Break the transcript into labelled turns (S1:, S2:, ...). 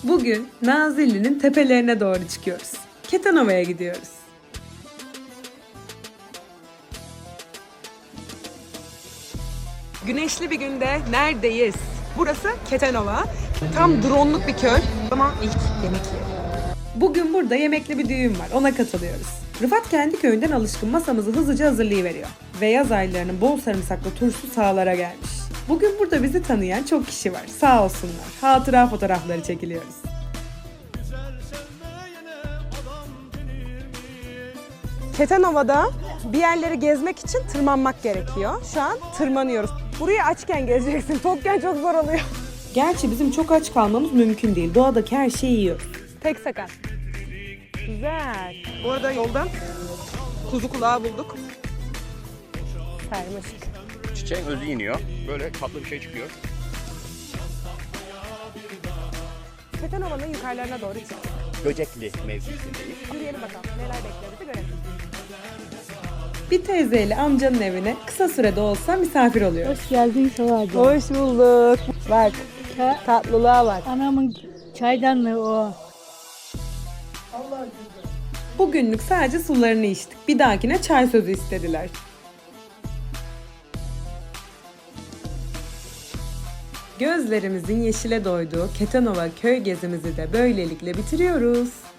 S1: Bugün Nazilli'nin tepelerine doğru çıkıyoruz. Ketenova'ya gidiyoruz. Güneşli bir günde neredeyiz? Burası Ketenova. Tam drone'luk bir köy. Ama ilk yemek yiyelim. Bugün burada yemekli bir düğün var. Ona katılıyoruz. Rıfat kendi köyünden alışkın masamızı hızlıca hazırlayıveriyor. Ve yaz aylarının bol sarımsaklı turşu sahalara gelmiş. Bugün burada bizi tanıyan çok kişi var. Sağ olsunlar. Hatıra fotoğrafları çekiliyoruz. Ketenova'da bir yerleri gezmek için tırmanmak gerekiyor. Şu an tırmanıyoruz. Burayı açken gezeceksin. Tokken çok zor oluyor. Gerçi bizim çok aç kalmamız mümkün değil. Doğadaki her şeyi yiyoruz. Tek sakat. Güzel. Bu arada yoldan kuzu kulağı bulduk. Sarmışık.
S2: Çiçeğin özü iniyor. Böyle tatlı bir şey çıkıyor.
S1: Ketenova'nın yukarılarına doğru çıktık.
S2: Böcekli mevkisindeyiz.
S1: Yürüyelim bakalım. Neler bekliyor bizi görelim. Bir teyzeyle amcanın evine kısa sürede olsa misafir oluyoruz.
S3: Hoş geldin Savacı.
S1: Hoş bulduk. Bak tatlılığa bak.
S3: Anamın çaydanlığı o.
S1: Bugünlük sadece sularını içtik. Bir dahakine çay sözü istediler. Gözlerimizin yeşile doyduğu Ketenova köy gezimizi de böylelikle bitiriyoruz.